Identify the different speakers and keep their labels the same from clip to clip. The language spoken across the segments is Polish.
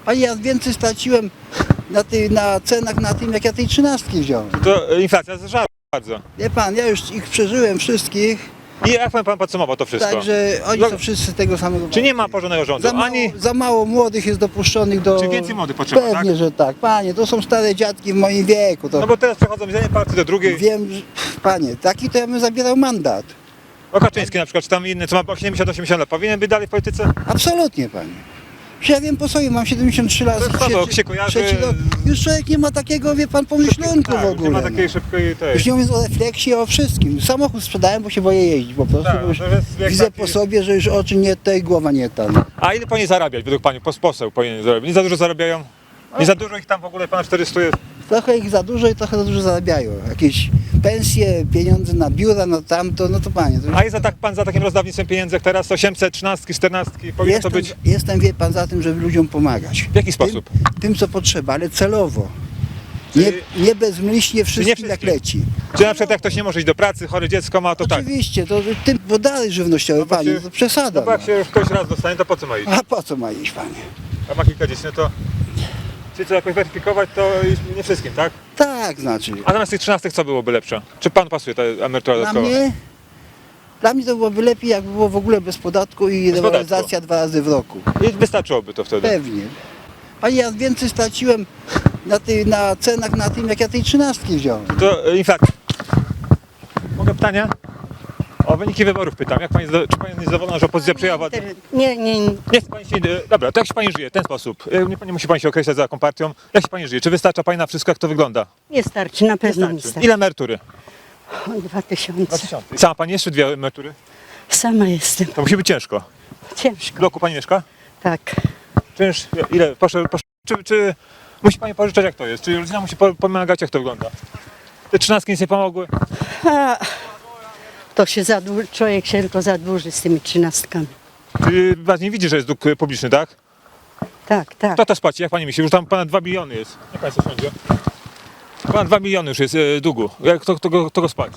Speaker 1: Panie, ja więcej straciłem na cenach na tym, jak ja tej 13 wziąłem.
Speaker 2: To inflacja zżarła bardzo.
Speaker 1: Wie pan, ja już ich przeżyłem wszystkich,
Speaker 2: I jak pan podsumował to wszystko?
Speaker 1: także oni
Speaker 2: No,
Speaker 1: są wszyscy tego samego.
Speaker 2: Czy nie ma porządnego rządu?
Speaker 1: Za mało młodych jest dopuszczonych do...
Speaker 2: Czy więcej młodych potrzeba,
Speaker 1: Pewnie,
Speaker 2: tak?
Speaker 1: że tak. Panie, to są stare dziadki w moim wieku. To
Speaker 2: No bo teraz przechodzą z jednej partii do drugiej.
Speaker 1: wiem, że... Panie, taki to ja bym zabierał mandat.
Speaker 2: O Kaczyński na przykład, czy tam inny, co ma 80 lat, powinien być dalej w polityce?
Speaker 1: Absolutnie, panie. Przecież ja wiem po sobie, mam 73 lat.
Speaker 2: To jest słabo, jak się kojarzy-
Speaker 1: trzeci rok. Już człowiek nie ma takiego, wie pan, pomyślunku w ogóle.
Speaker 2: Nie ma
Speaker 1: no.
Speaker 2: takiej szybkiej tej.
Speaker 1: Już nie mówiąc o refleksji, o wszystkim. Samochód sprzedałem, bo się boję jeździć po prostu.
Speaker 2: Tak,
Speaker 1: bo już
Speaker 2: to jest jak
Speaker 1: widzę
Speaker 2: taki-
Speaker 1: po sobie, że już oczy nie te i głowa nie ta. No.
Speaker 2: A ile powinien zarabiać według pani? Poseł powinien zarabiać. Nie za dużo zarabiają? Nie za dużo ich tam w ogóle, pana 400 jest.
Speaker 1: Trochę ich za dużo i trochę za dużo zarabiają. Jakieś pensje, pieniądze na biura, no tamto, no to panie. To już...
Speaker 2: A jest pan za takim rozdawnictwem pieniędzy jak teraz? 800, 13, 14, powinno to być?
Speaker 1: Jestem, wie pan, za tym, żeby ludziom pomagać.
Speaker 2: W jaki sposób?
Speaker 1: Tym co potrzeba, ale celowo.
Speaker 2: Czyli-
Speaker 1: Nie bezmyślnie wszystkim jak
Speaker 2: wszystkim?
Speaker 1: leci.
Speaker 2: Czy na przykład jak ktoś nie może iść do pracy, chore dziecko ma, to tak.
Speaker 1: Oczywiście, to tym, bo dalej żywnościowe,
Speaker 2: No bo
Speaker 1: panie,
Speaker 2: się-
Speaker 1: to przesada.
Speaker 2: No bo jak się już ktoś raz dostanie, to po co ma iść?
Speaker 1: A po co ma iść, panie?
Speaker 2: A ma kilka dzieci, no to... Czy co jakoś weryfikować, to nie wszystkim, tak?
Speaker 1: Tak, znaczy.
Speaker 2: A zamiast tych 13 co byłoby lepsze? Czy pan pasuje ta emerytura
Speaker 1: Dla
Speaker 2: dodatkowa?
Speaker 1: mnie to byłoby lepiej, jakby było w ogóle bez podatku i
Speaker 2: Bez podatku.
Speaker 1: rewaloryzacja 2 razy w roku.
Speaker 2: I wystarczyłoby to wtedy.
Speaker 1: Pewnie. Panie, ja więcej straciłem na cenach na tym, jak ja tej 13 wziąłem.
Speaker 2: To inflacja. Mogę pytania? O wyniki wyborów pytam. Jak pani, czy pani jest zadowolona, że opozycja przyjęła władzę?
Speaker 3: Nie.
Speaker 2: Nie chce pani się, dobra, to jak się pani żyje w ten sposób? Nie musi pani się określać za jaką partią. Jak się pani żyje? Czy wystarcza pani na wszystko, jak to wygląda?
Speaker 3: Nie starczy, na pewno nie starczy.
Speaker 2: Ile emerytury?
Speaker 3: O, 2000.
Speaker 2: 2000. Sama pani jeszcze 2 emerytury?
Speaker 3: Sama jestem.
Speaker 2: To musi być ciężko. W
Speaker 3: Ciężko.
Speaker 2: bloku pani mieszka?
Speaker 3: Tak.
Speaker 2: Czynsz, ile? Proszę, czy musi pani pożyczać, jak to jest? Czy rodzina musi pomagać, jak to wygląda? Te 13 nic nie pomogły?
Speaker 3: A, to się człowiek się tylko zadłuży z tymi 13.
Speaker 2: Czy pan nie widzi, że jest dług publiczny, tak?
Speaker 3: Tak, tak.
Speaker 2: Kto to spłaci? Jak pani myśli? Już tam ponad 2 biliony jest. Jak państwo sądzi? Ponad 2 biliony już jest długu. Kto go spłaci?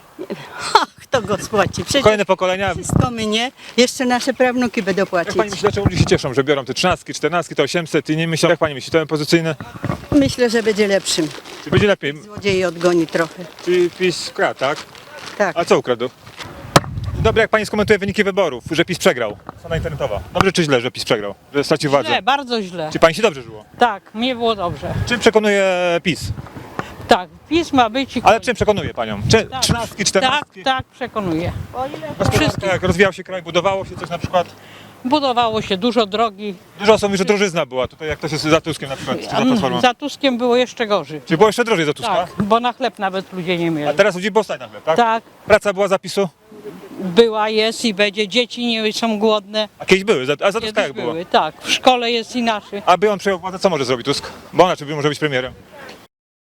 Speaker 3: Kto go spłaci? Przecież
Speaker 2: Kolejne pokolenia.
Speaker 3: wszystko mnie, jeszcze nasze prawnuki będą
Speaker 2: Jak
Speaker 3: płacić.
Speaker 2: pani myśli, dlaczego ludzie się cieszą, że biorą te 13, 14, te 800 i nie myślą? Jak pani myśli, to opozycyjne?
Speaker 3: Myślę, że będzie lepszym.
Speaker 2: Czy będzie lepiej?
Speaker 3: Złodziei odgoni trochę.
Speaker 2: Czy PiS kradł, tak?
Speaker 3: Tak.
Speaker 2: A co ukradł? Dobrze, jak pani skomentuje wyniki wyborów, że PiS przegrał? Strona internetowa. Dobrze czy źle, że PiS przegrał? Że stracił władzę?
Speaker 4: Źle, bardzo źle.
Speaker 2: Czy pani się dobrze żyło?
Speaker 4: Tak, mnie było dobrze.
Speaker 2: Czym przekonuje PiS?
Speaker 4: Tak, PiS ma być i
Speaker 2: Ale
Speaker 4: koniec.
Speaker 2: czym przekonuje panią? Czy
Speaker 4: Tak.
Speaker 2: 13, 14?
Speaker 4: Tak, przekonuję.
Speaker 2: Gospodarka, jak rozwijał się kraj, budowało się coś na przykład?
Speaker 4: Budowało się dużo drogi.
Speaker 2: Dużo osób mówi, że drożyzna była tutaj, jak to się za Tuskiem na przykład, czy za Platformą.
Speaker 4: Za Tuskiem było jeszcze gorzej.
Speaker 2: Czy było jeszcze drożej za Tuska?
Speaker 4: Tak, bo na chleb nawet ludzie nie
Speaker 2: A
Speaker 4: mieli.
Speaker 2: teraz ludzi było stać na chleb, tak?
Speaker 4: Tak,
Speaker 2: Praca była zapisu?
Speaker 4: była, jest i będzie. Dzieci nie są głodne.
Speaker 2: A kiedyś były, a za Tuska
Speaker 4: Kiedyś
Speaker 2: jak było?
Speaker 4: były. Tak, w szkole jest inaczej.
Speaker 2: Aby on przejął władzę, co może zrobić Tusk? Bo on czy może być premierem?